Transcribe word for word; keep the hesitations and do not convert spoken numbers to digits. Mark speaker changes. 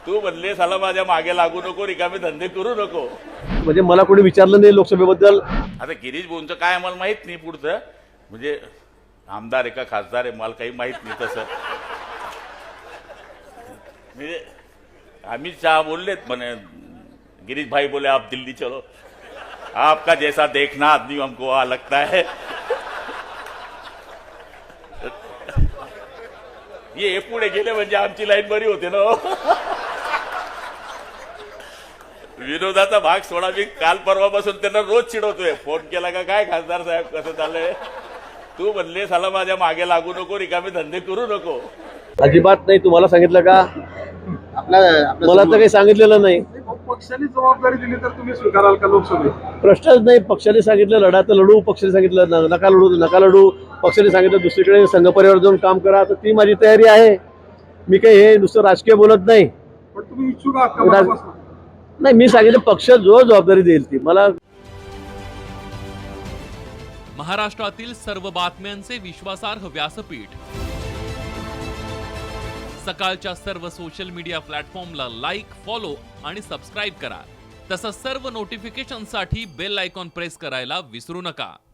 Speaker 1: तू म्हणले साला माझ्या मागे लागू नको, रिकामे धंदे करू नको.
Speaker 2: म्हणजे मला कोणी विचारलं नाही लोकसभेबद्दल.
Speaker 1: आता गिरीश भाऊंचं काय आम्हाला माहित नाही पुढचं, म्हणजे आमदार आहे का खासदार आहे मला काही माहित नाही तसं. म्हणजे अमित शहा बोललेत म्हणे, गिरीश भाई बोले आप दिल्ली चलो, आपका जैसा देखना आदमी हमको वहां लगता है. ये पुढे गेले म्हणजे आमची लाईन बरी होते ना. विरोधाचा भाग सोडा, मी काल परवापासून त्यांना रोज चिडवतोय, फोन केला का काय खासदार साहेब कसं चाललंय. तू म्हणले साला माझ्या मागे लागू नको, रिकामे धंदे करू नको.
Speaker 2: अजिबात नाही. तुम्हाला सांगितलं का? मला तर काही सांगितलेलं नाही.
Speaker 3: पक्षाने जबाबदारी दिली तर तुम्ही स्वीकाराल का लोकसभेत?
Speaker 2: प्रश्नच नाही. पक्षाने सांगितलं लढा तर लढू, पक्षाने सांगितलं न- नका लढू नका लढू, पक्षाने सांगितलं दुसरीकडे संघ परिवार जाऊन काम करा, तर ती माझी तयारी आहे. मी काही हे नुसतं राजकीय बोलत नाही.
Speaker 3: पण तुम्ही इच्छुक आहात का मनापासून?
Speaker 2: नाही, मी सांगितलं पक्ष जो जबाबदारी देईल ती मला.
Speaker 4: महाराष्ट्रातील सर्व बातम्यांचे विश्वासार्ह व्यासपीठ, सकाळच्या सर्व सोशल मीडिया प्लॅटफॉर्मला लाईक, फॉलो आणि सबस्क्राईब करा. तसंच सर्व नोटिफिकेशनसाठी बेल आयकॉन प्रेस करायला विसरू नका.